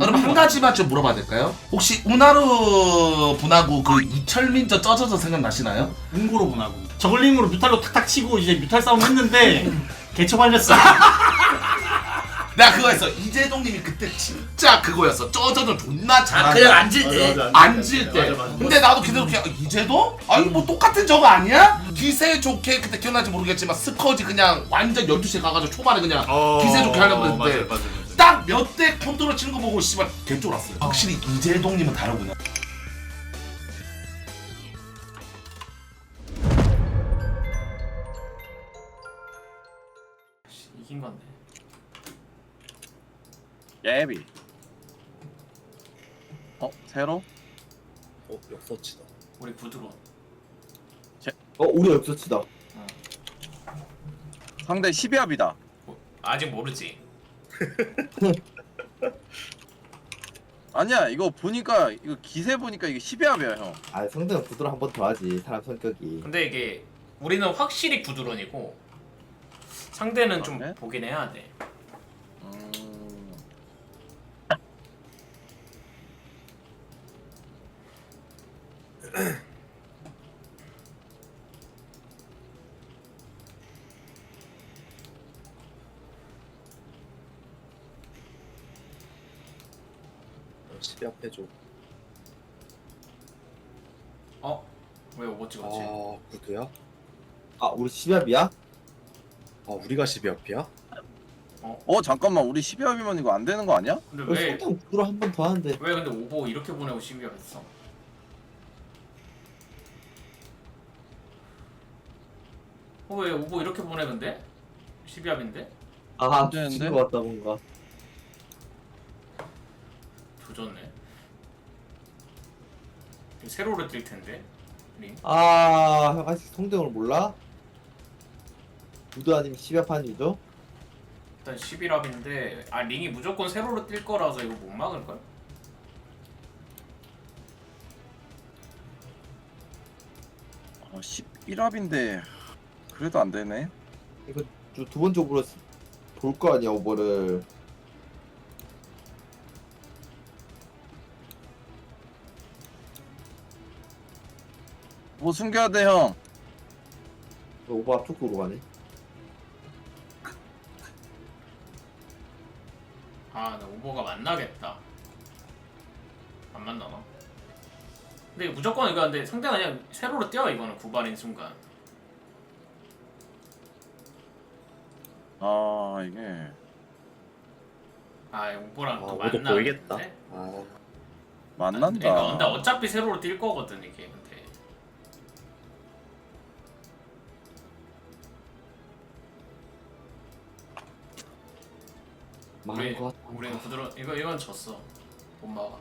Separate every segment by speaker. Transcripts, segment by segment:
Speaker 1: 그럼 한 가지만 좀 물어봐도 될까요? 혹시 우나루 분하고 그 이철민저 쩌저저 생각나시나요?
Speaker 2: 웅고로 보나고 저글링으로 뮤탈로 탁탁 치고 이제 뮤탈 싸움 했는데 개처 발렸어.
Speaker 1: 내가 그거 했어. 이재동님이 그때 진짜 그거였어. 쩌저저 존나 잘한다.
Speaker 3: 그냥 앉을 때.
Speaker 1: 앉을 때. 근데 나도 그대로 그냥 이재동? 아니 뭐 똑같은 저거 아니야? 기세 좋게 그때 기억나지 모르겠지만 스커지 그냥 완전 12시에 가가지고 초반에 그냥 기세 좋게 하려고 했는데 딱 몇 대 컨트롤 치는 거 보고 씨발 개쫄았어요. 확실히 이재동님은 다르구나.
Speaker 2: 이긴 건데.
Speaker 4: 예비. 새로?
Speaker 3: 역서치다.
Speaker 2: 우리 구드론.
Speaker 5: 우리 역서치다.
Speaker 4: 상대 12합이다.
Speaker 2: 아직 모르지.
Speaker 4: 아니야, 이거 보니까 이거 기세 보니까 이게 12합이야, 형.
Speaker 5: 아 상대는 구두로 한 번 더 하지 사람 성격이.
Speaker 2: 근데 이게 우리는 확실히 구드론이고 상대는 좀
Speaker 4: 그래?
Speaker 2: 보긴 해야 돼.
Speaker 3: 시비 앞에 줘.
Speaker 2: 어? 왜 오버 찍었지?
Speaker 3: 아 구두야?
Speaker 5: 아 우리 10합이야?
Speaker 3: 아 우리가 시비 앞이야?
Speaker 4: 잠깐만, 우리 12합이면 이거 안 되는 거 아니야?
Speaker 2: 근데
Speaker 5: 상대는 구두로 한 번 더 하는데.
Speaker 2: 왜 근데 오버 이렇게 보내고 시비가 했어? 왜 오버 이렇게 보내 근데? 12합인데?
Speaker 5: 아
Speaker 4: 되는데?
Speaker 5: 뒤진 것 같다 뭔가.
Speaker 2: 조졌네. 세로로 뛸 텐데. 링.
Speaker 5: 형 아직 성대형을 몰라? 구두 아니면 10합 하는 유저?
Speaker 2: 일단 11합인데 링이 무조건 세로로 뛸 거라서 이거 못 막을 걸?
Speaker 4: 어, 11합인데 그래도 안 되네.
Speaker 5: 이거 두 번적으로 볼 거 아니야 오버를.
Speaker 4: 뭐 숨겨야 돼, 형.
Speaker 5: 오버 앞쪽으로 가네.
Speaker 2: 아, 나 오버가 만나겠다. 안 만나나? 근데 이거 무조건 이거 근데 상대가 그냥 세로로 뛰어 이거는 구발인 순간.
Speaker 4: 아, 이게
Speaker 2: 아, 오버랑 또
Speaker 3: 오도
Speaker 2: 만나.
Speaker 3: 보이겠다. 아
Speaker 4: 만난다.
Speaker 2: 그러니까 근데 어차피 세로로 뛸 거거든 이게 근데.
Speaker 5: 망한 것 같다.
Speaker 2: 우리는 부드러 이건 졌어. 못 막아.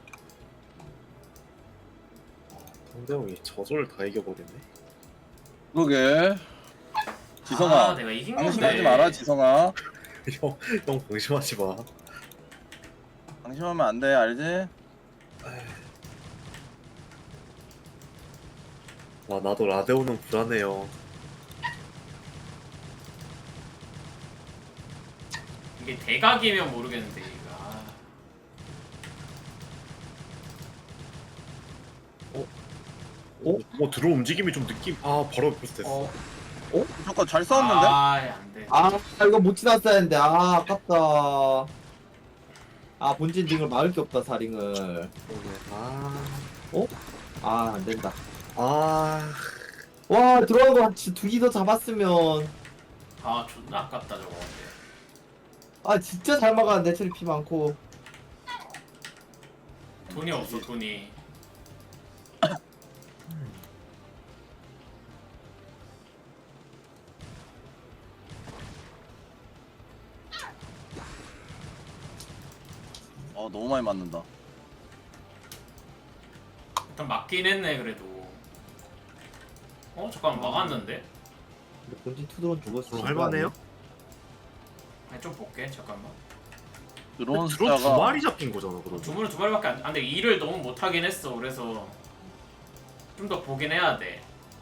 Speaker 3: 성대형이 저절을 다 이겨버리네.
Speaker 4: 그러게. 지성아,
Speaker 2: 아, 내가 이긴
Speaker 4: 방심하지
Speaker 2: 건데.
Speaker 4: 마라, 지성아.
Speaker 3: 형 방심하지 마.
Speaker 4: 방심하면 안 돼, 알지?
Speaker 3: 와 나도 라데오는 불안해요.
Speaker 2: 이게 대각이면 모르겠는데 이거.
Speaker 3: 들어 움직임이 좀 느낌. 바로 비슷했어.
Speaker 4: 무조건 잘 싸웠는데?
Speaker 2: 안 돼.
Speaker 5: 이거 못 지났어야 했는데. 아깝다. 본진 링을 막을 게 없다 사링을.
Speaker 3: 그러게.
Speaker 5: 안 된다.
Speaker 3: 아
Speaker 5: 와 들어간 거 두기 더 잡았으면.
Speaker 2: 존나 아깝다 저거. 근데.
Speaker 5: 진짜 잘 막았는데 체리 피 많고.
Speaker 2: 돈이 없어 돈이.
Speaker 4: 너무 많이 맞는다.
Speaker 2: 일단 맞긴 했네 그래도. 잠깐만 막았는데?
Speaker 5: 근데 본진 투드론 죽었어.
Speaker 3: 할만해요?
Speaker 2: 아니 좀 볼게 잠깐만.
Speaker 4: 드론
Speaker 3: 드론 두
Speaker 4: 숫자가
Speaker 3: 마리 잡힌 거잖아 그러면.
Speaker 2: 두 발밖에 안 근데 일을 너무 못하긴 했어. 그래서 좀 더 보긴 해야 돼.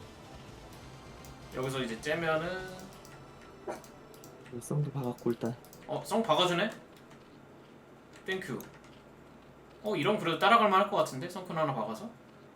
Speaker 2: 여기서 이제 째면은
Speaker 5: 성도 박았고 일단.
Speaker 2: 성 박아주네? 땡큐. 이런 그래도 따라갈 만할 것 같은데 성큰 하나 박아서.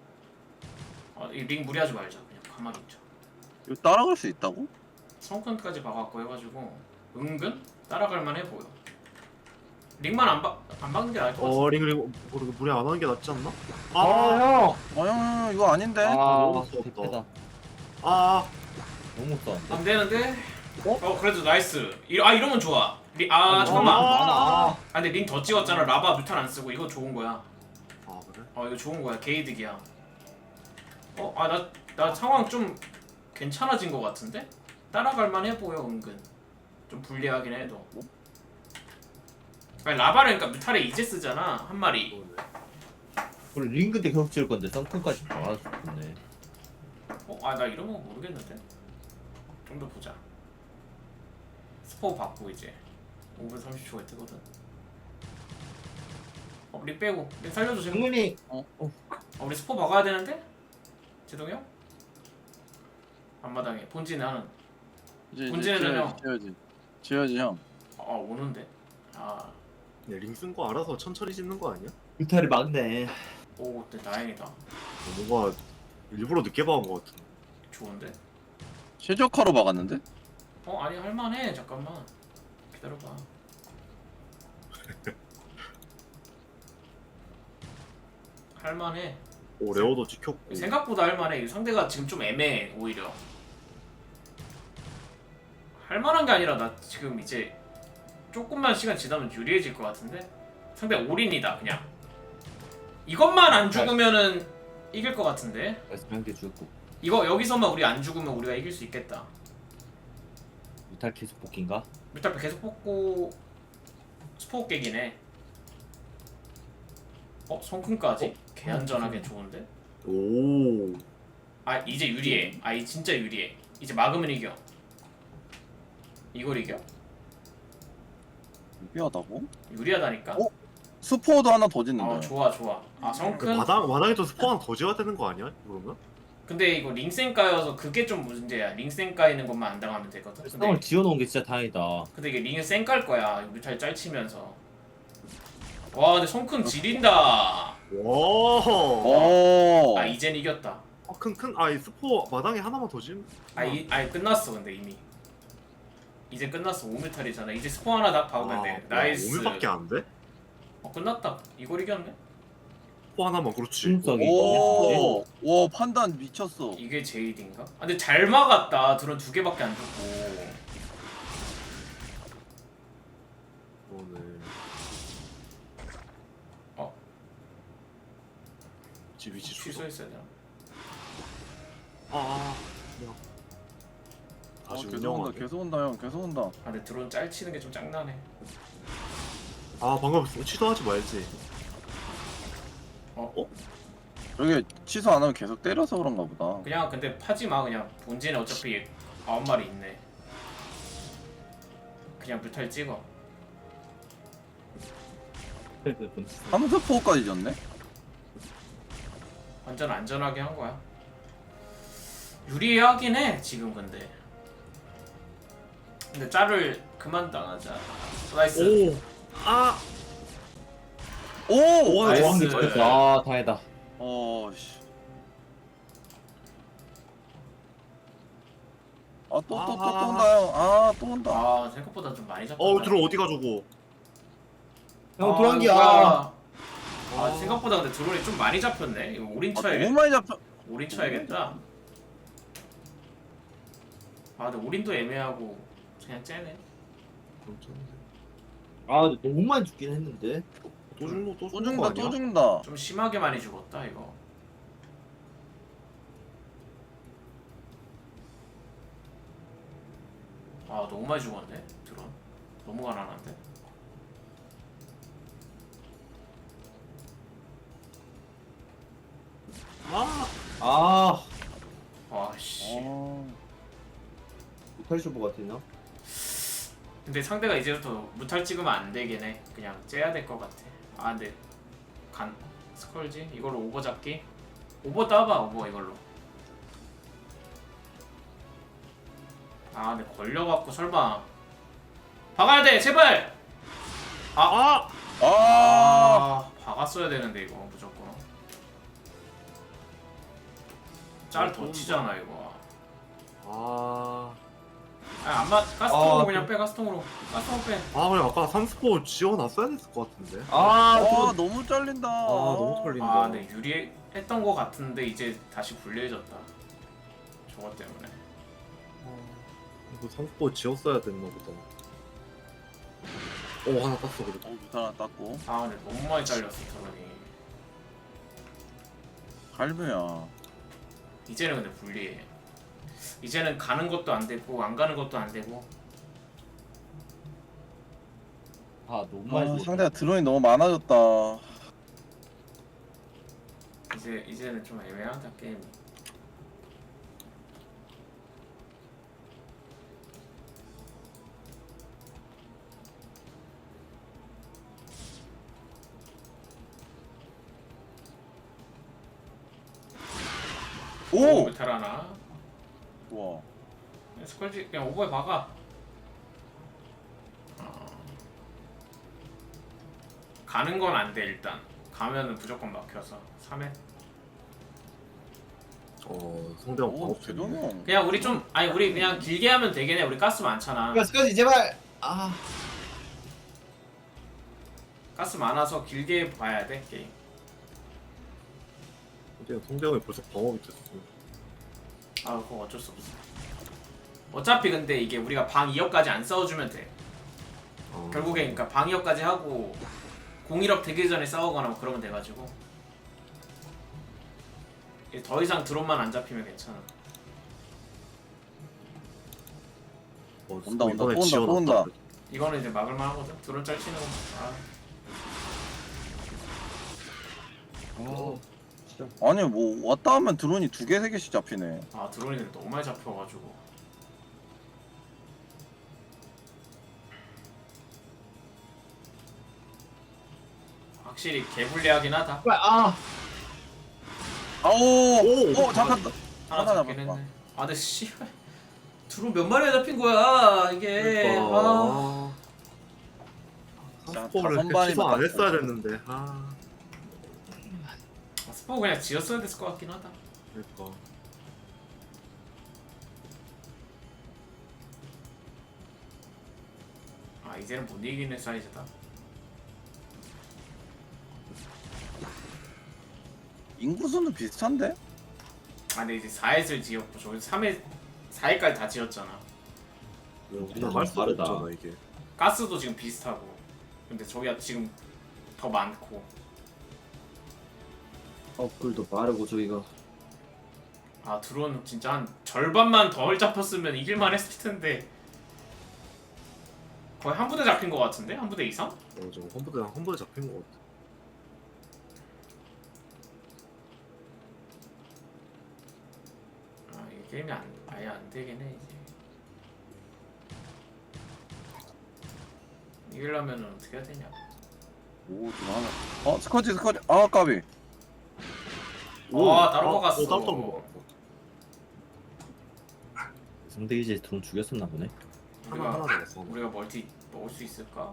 Speaker 2: 이 링 무리하지 말자. 그냥 가만히 있자.
Speaker 4: 이거 따라갈 수 있다고?
Speaker 2: 성큰까지 박았고 해가지고 은근 따라갈 만해 보여. 링만 안 박는 게 나을 것 같아.
Speaker 3: 링 무리 안 하는 게 낫지 않나?
Speaker 5: 형!
Speaker 4: 형 이거 아닌데?
Speaker 3: 너무
Speaker 5: 대패다.
Speaker 3: 무섭다. 아
Speaker 5: 너무 못 썼는데.
Speaker 2: 안 되는데? 그래도 나이스. 이러면 좋아. 잠깐만.
Speaker 5: 많아.
Speaker 2: 근데 링 더 찍었잖아. 라바 뮤탄 안 쓰고 이거 좋은 거야.
Speaker 3: 그래?
Speaker 2: 이거 좋은 거야. 게이득이야. 나 상황 좀 괜찮아진 거 같은데? 따라갈 만해 보여 은근. 좀 불리하긴 해도. 아니 라바를 그러니까 뮤탈에 이제 쓰잖아 한 마리.
Speaker 5: 그리고 링크 때 계속 지을 건데 썬큰까지 박아서 좋네.
Speaker 2: 나 이런 거 모르겠는데. 좀 더 보자. 스포 받고 이제 5분 30초가 뜨거든. 링 빼고 링 살려줘 지금.
Speaker 5: 정문이
Speaker 2: 우리 스포 박아야 되는데? 제동이 형? 앞마당에 본진에 하는.
Speaker 4: 이제
Speaker 2: 문제는 형.
Speaker 4: 지어야지 형.
Speaker 2: 오는데.
Speaker 3: 링 쓴 거 알아서 천천히 짓는 거 아니야?
Speaker 5: 뮤탈이 막네.
Speaker 2: 근데 다행이다.
Speaker 3: 뭔가 일부러 늦게 박은 거 같은데.
Speaker 2: 좋은데?
Speaker 4: 최적화로 박았는데?
Speaker 2: 아니 할만해. 잠깐만 기다려봐. 할만해.
Speaker 3: 레오도 지켰고.
Speaker 2: 생각보다 할만해. 상대가 지금 좀 애매해 오히려. 할만한 게 아니라 나 지금 이제 조금만 시간 지나면 유리해질 것 같은데? 상대 올인이다 그냥. 이것만 안 죽으면은 이길 것 같은데?
Speaker 5: 그래서 한개 죽고.
Speaker 2: 이거 여기서만 우리 안 죽으면 우리가 이길 수 있겠다.
Speaker 5: 뮤탈 계속 복귀인가?
Speaker 2: 뮤탈 계속 뽑고 스포 깨기네. 성큰까지? 개안전하게 좋은데?
Speaker 3: 오.
Speaker 2: 이제 유리해. 이 진짜 유리해. 이제 막으면 이겨. 이걸 이겨?
Speaker 4: 유리하다고?
Speaker 2: 유리하다니까?
Speaker 4: 스포도 하나 더 짓는다.
Speaker 2: 좋아. 성큰?
Speaker 3: 마당에도 스포 하나 더 지어야 되는 거 아니야? 그러면?
Speaker 2: 근데 이거 링센까여서 그게 좀 문제야. 링센까 있는 것만 안 당하면 되거든.
Speaker 5: 성을 지어놓은 게 진짜 다행이다.
Speaker 2: 근데 이게 링은 센깔 거야. 뮤탈 짤치면서. 와 근데 성큰 지린다.
Speaker 3: 와.
Speaker 4: 오.
Speaker 2: 이젠 이겼다.
Speaker 3: 이 스포 마당에 하나만 더 지으면.
Speaker 2: 끝났어 근데 이미. 이제 끝났어. 5뮤탈이잖아. 이제 스포 하나 다 박으면 돼. 나이스.
Speaker 3: 5밀밖에 안 돼?
Speaker 2: 끝났다. 이걸 이겼네?
Speaker 3: 스포 하나만 그렇지.
Speaker 5: 중성이.
Speaker 4: 오. 와 판단 미쳤어.
Speaker 2: 이게 제이드인가? 근데 잘 막았다. 드론 2개밖에 안 죽고.
Speaker 3: 오늘. 위치
Speaker 2: 취소했어야 되나?
Speaker 3: 그냥. 다시
Speaker 4: 계속 온다
Speaker 3: 운영하네.
Speaker 4: 계속 온다 형 계속 온다.
Speaker 2: 근데 드론 짤치는 게 좀 짱나네.
Speaker 3: 방금 취소하지 말지.
Speaker 4: 저게 취소 안 하면 계속 때려서 그런가 보다.
Speaker 2: 그냥 근데 파지마. 그냥 본진에 어차피 9마리 있네. 그냥 뮤탈 찍어.
Speaker 4: 함스포까지 졌네?
Speaker 2: 완전 안전하게 한 거야. 유리하긴 해 지금 근데 짤을 그만 당하자. 나이스.
Speaker 4: 오!
Speaker 2: 나이스.
Speaker 5: 왕기 잘했어. 다행이다.
Speaker 4: 씨. 또 온다 형. 또 온다.
Speaker 2: 생각보다 좀 많이 잡았다.
Speaker 3: 들어 어디 가지고.
Speaker 5: 형 도랑기야.
Speaker 2: 뭐야. 생각보다 근데 드론이 좀 많이 잡혔네. 이거 올인
Speaker 4: 너무
Speaker 2: 쳐야겠다.
Speaker 4: 많이 잡혀.
Speaker 2: 올인 쳐야겠다. 근데 올인도 애매하고 그냥 째네.
Speaker 5: 근데 너무 많이 죽긴 했는데.
Speaker 3: 또 죽노 또
Speaker 4: 또
Speaker 3: 죽는 거
Speaker 4: 죽는다
Speaker 3: 아니야?
Speaker 4: 또 죽는다.
Speaker 2: 좀 심하게 많이 죽었다 이거. 너무 많이 죽었네 드론. 너무 가난한데. 씨.
Speaker 5: 뮤탈 쇼부 같으냐?
Speaker 2: 근데 상대가 이제부터 무탈 찍으면 안 되긴 해. 그냥 째야 될 것 같아. 근데 스컬지? 이걸로 오버 잡기? 오버 따봐 오버 이걸로. 근데 걸려갖고 설마 박아야 돼 제발. 박았어. 막았어야 되는데 이거 무조건. 짤 더 치잖아 이거.
Speaker 3: 아,
Speaker 2: 안맞 가스통으로
Speaker 5: 아,
Speaker 2: 그냥 빼 가스통으로. 가스통 빼.
Speaker 3: 그냥 아까 3스포 지워놨어야 됐을 것 같은데.
Speaker 5: 아
Speaker 4: 너무 잘린다.
Speaker 3: 너무 털린다.
Speaker 2: 아 근데 유리했던 거 같은데 이제 다시 불리해졌다. 저것 때문에.
Speaker 3: 이거 3스포 지웠어야 됐나 보다. 하나 땄어 그래도.
Speaker 4: 무탈 하나 땄고.
Speaker 2: 아 근데 너무 많이 잘렸어 저런이.
Speaker 4: 갈무야.
Speaker 2: 이제는 근데 불리해. 이제는 가는 것도 안 되고 안 가는 것도 안 되고.
Speaker 5: 너무 많이 죽었다.
Speaker 4: 상대가 드론이 너무 많아졌다.
Speaker 2: 이제는 좀 애매하다 게임이.
Speaker 4: 오!
Speaker 2: 메탈 하나.
Speaker 4: 좋아.
Speaker 2: 스컬지 그냥 오버에 박아. 가는 건 안 돼 일단. 가면은 무조건 막혀서 3회.
Speaker 3: 상대방
Speaker 4: 오,
Speaker 3: 방업
Speaker 4: 제동이
Speaker 3: 됐네.
Speaker 4: 형.
Speaker 2: 그냥 우리 좀 아니 우리 그냥 길게 하면 되겠네. 우리 가스 많잖아.
Speaker 5: 스커지 제발.
Speaker 2: 가스 많아서 길게 봐야 돼 게임.
Speaker 3: 근데 상대방이 벌써 방업이 됐어.
Speaker 2: 아 그거 어쩔 수 없어. 어차피 근데 이게 우리가 방 2업까지 안 싸워주면 돼. 결국에 그러니까 방 2업까지 하고 01업 되기 전에 싸우거나 뭐 그러면 돼가지고 이제 더 이상 드론만 안 잡히면 괜찮아.
Speaker 4: 온다,
Speaker 3: 이번에
Speaker 4: 또 온다,
Speaker 3: 지워놨다
Speaker 4: 또 온다.
Speaker 3: 그래도.
Speaker 2: 이거는 이제 막을만 하거든. 드론 짤치는 거.
Speaker 4: 아니 뭐 왔다 하면 드론이 2개, 3개씩 잡히네.
Speaker 2: 드론이 근데 너무 많이 잡혀가지고. 확실히 개불리하긴 하다.
Speaker 4: 아오!
Speaker 3: 오,
Speaker 4: 잠깐.
Speaker 2: 하나
Speaker 4: 하나
Speaker 2: 잡긴
Speaker 4: 잡았다.
Speaker 2: 했네. 근데 씨발 드론 몇 마리가 잡힌 거야 이게.
Speaker 3: 그러니까.
Speaker 4: 자,
Speaker 3: 3스포를
Speaker 4: 다섯 마리
Speaker 3: 취소 안
Speaker 4: 맞았어.
Speaker 3: 했어야 됐는데.
Speaker 2: 스포 그냥 지었어야 됐을 것 같긴 하다.
Speaker 3: 그러니까.
Speaker 2: 이제는 못 이기는 사이즈다.
Speaker 4: 인구수는 비슷한데?
Speaker 2: 근데 이제 4회를 지었고 저기 3회 4회까지 다 지었잖아.
Speaker 3: 우리는 할 수가
Speaker 5: 다르다.
Speaker 3: 없잖아 이게.
Speaker 2: 가스도 지금 비슷하고. 근데 저기가 지금 더 많고.
Speaker 5: 업글도 빠르고 저기가.
Speaker 2: 드론 진짜 한 절반만 덜 잡혔으면 이길만 했을 텐데. 거의 한 부대 잡힌 것 같은데? 한 부대 이상?
Speaker 3: 좀 한 번에 잡힌 것 같아.
Speaker 2: 이 게임이 아예 안 되긴 해 이제. 이기려면 어떻게 해야 되냐?
Speaker 4: 오, 좀 하나. 스커지. 아, 까비.
Speaker 2: 따로 먹었어.
Speaker 3: 따로 먹었어.
Speaker 5: 상대 이제 드론 죽였었나 보네.
Speaker 3: 하나 남았어.
Speaker 2: 우리가 멀티 먹을 수 있을까?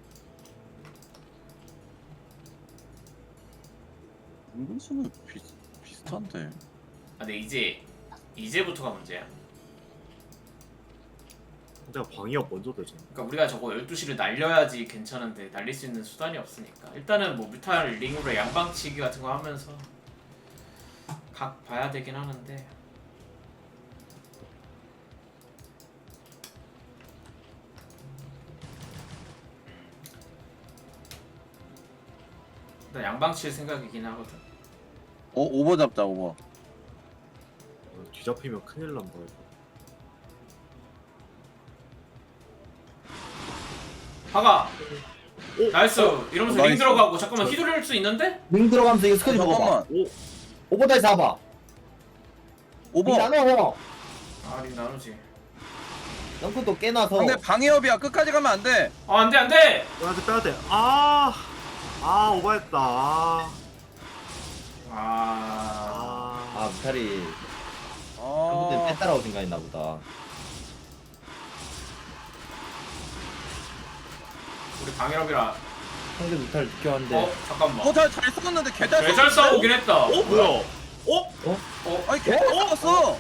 Speaker 4: 인구수는 비슷한데.
Speaker 2: 근데 이제부터가 문제야.
Speaker 3: 내가 방위업 먼저 되잖아.
Speaker 2: 그러니까 우리가 저거 12시를 날려야지 괜찮은데 날릴 수 있는 수단이 없으니까 일단은 뭐 뮤탈 링으로 양방치기 같은 거 하면서 각 봐야 되긴 하는데. 일단 양방칠 생각이긴 하거든.
Speaker 4: 오버 잡자, 오버.
Speaker 3: 뒤잡히면 큰일 난다 이거.
Speaker 2: 박아!
Speaker 3: 오!
Speaker 2: 나이스! 이러면서 링
Speaker 4: 나이스.
Speaker 2: 들어가고 잠깐만 휘두를 수 있는데?
Speaker 5: 링 들어가면서 이거 스커지 먹어봐.
Speaker 4: 잠깐만.
Speaker 5: 오버다이 잡아.
Speaker 4: 오버.
Speaker 5: 링 나눠.
Speaker 2: 링 나누지.
Speaker 5: 덩크도 깨놔서.
Speaker 4: 상대 방해업이야. 끝까지 가면 안 돼.
Speaker 2: 안돼 안돼!
Speaker 3: 빼야 돼. 오버했다.
Speaker 5: 무탈이
Speaker 4: 아.
Speaker 5: 한분들 뺐다라고 생각했나 보다.
Speaker 2: 우리 방해럽이라
Speaker 5: 상대 무탈 느껴왔는데.
Speaker 2: 잠깐만.
Speaker 4: 잘 싸웠는데 개잘
Speaker 2: 잘 싸우긴 했다.
Speaker 3: 뭐야?
Speaker 4: 아니 개잘 싸웠어.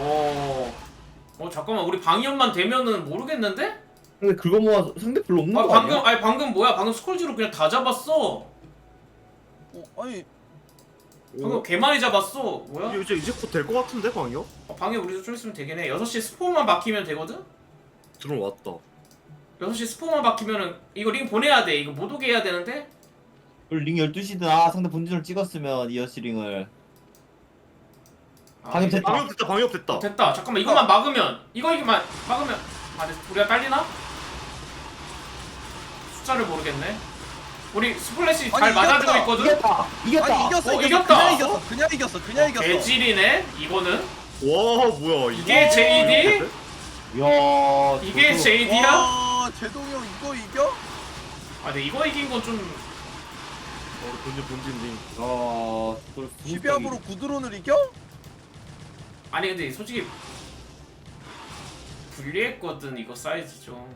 Speaker 2: 잠깐만 우리 방위험만 되면은 모르겠는데?
Speaker 5: 근데 그거 모아 상대 별로 없는 거 아니야?
Speaker 2: 방금 뭐야? 방금 스콜지로 그냥 다 잡았어.
Speaker 4: 아니
Speaker 2: 방금 개 많이 잡았어. 뭐야?
Speaker 3: 이제 곧 될 것 같은데 방이요?
Speaker 2: 방위 우리도 좀 있으면 되긴 해. 6시 스포만 막히면 되거든?
Speaker 3: 들어왔다.
Speaker 2: 6시 스포만 막히면은 이거 링 보내야 돼. 이거 못 오게 해야 되는데?
Speaker 5: 링 12시든 상대 본진을 찍었으면 이어시링을. 방금 됐다.
Speaker 3: 방역 됐다.
Speaker 2: 됐다. 잠깐만 이것만 막으면 이거만 막으면 우리가 딸리나? 숫자를 모르겠네. 우리 스플래시 잘
Speaker 4: 아니,
Speaker 2: 맞아주고
Speaker 4: 이겼다.
Speaker 2: 있거든?
Speaker 5: 이겼다.
Speaker 4: 아니 이겼어.
Speaker 2: 이겼다.
Speaker 4: 그냥 이겼어.
Speaker 2: 개질이네 이거는.
Speaker 3: 와 뭐야
Speaker 2: 이게 JD?
Speaker 5: 이야.
Speaker 2: 이게 JD야?
Speaker 4: 와 제동이 형 이거 이겨?
Speaker 2: 근데 이거 이긴 건 좀
Speaker 3: 본진
Speaker 5: 어.
Speaker 4: 12합으로 구드론을 이겨?
Speaker 2: 아니 근데 솔직히 불리했거든 이거 사이즈 좀.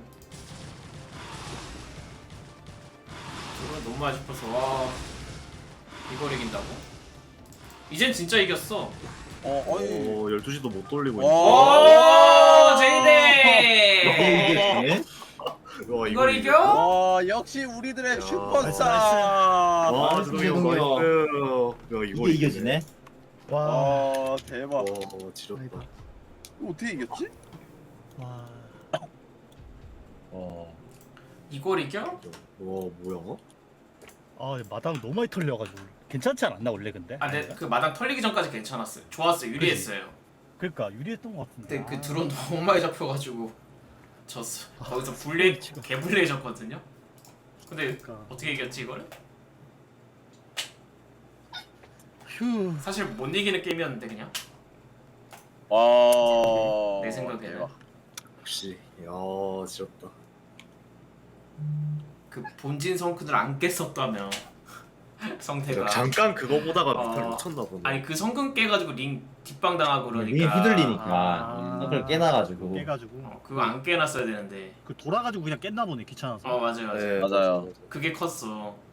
Speaker 2: 이거 너무 아쉽어서 와 이걸 이긴다고? 이젠 진짜 이겼어.
Speaker 4: 아니
Speaker 3: 12시도 못 돌리고
Speaker 4: 와.
Speaker 2: 오 제이데
Speaker 5: 이게
Speaker 3: 와,
Speaker 2: 이걸 이겨?
Speaker 4: 와 역시 우리들의
Speaker 3: 야,
Speaker 4: 슈퍼스타.
Speaker 3: 와
Speaker 5: 나이스,
Speaker 3: 제동이 형
Speaker 5: 제동이 형.
Speaker 3: 나이스. 야
Speaker 5: 이게 이겨지네.
Speaker 4: 와 대박.
Speaker 3: 와 지렸다.
Speaker 4: 이거 어떻게 이겼지?
Speaker 2: 이걸 이겨?
Speaker 3: 와 뭐야?
Speaker 6: 마당 너무 많이 털려가지고 괜찮지 않았나 원래 근데?
Speaker 2: 근데 그 마당 털리기 전까지 괜찮았어요. 좋았어요. 유리했어요.
Speaker 6: 그러니까 유리했던 것 같은데.
Speaker 2: 근데 그 드론 너무 많이 잡혀가지고 졌어. 거기서 개불리해졌거든요. 근데
Speaker 6: 그러니까.
Speaker 2: 어떻게 이겼지 이걸?
Speaker 6: 휴.
Speaker 2: 사실 못 이기는 게임이었는데 그냥
Speaker 4: 와.
Speaker 2: 내 생각에는
Speaker 4: 대박.
Speaker 3: 역시 야 지렸다.
Speaker 2: 그 본진 성큰을 안 깼었다며 성태가.
Speaker 3: 잠깐 그거 보다가
Speaker 2: 어.
Speaker 3: 미탈 놓쳤나 보네.
Speaker 2: 아니 그 성큰 깨가지고 링 뒷방 당하고 그러니까.
Speaker 5: 링이 휘둘리니까.
Speaker 6: 아.
Speaker 5: 그걸 깨놔가지고.
Speaker 6: 깨가지고
Speaker 2: 그거 안 깨놨어야 되는데.
Speaker 6: 그 돌아가지고 그냥 깼나 보네 귀찮아서.
Speaker 2: 맞아요.
Speaker 3: 네,
Speaker 4: 맞아요.
Speaker 2: 그게 컸어.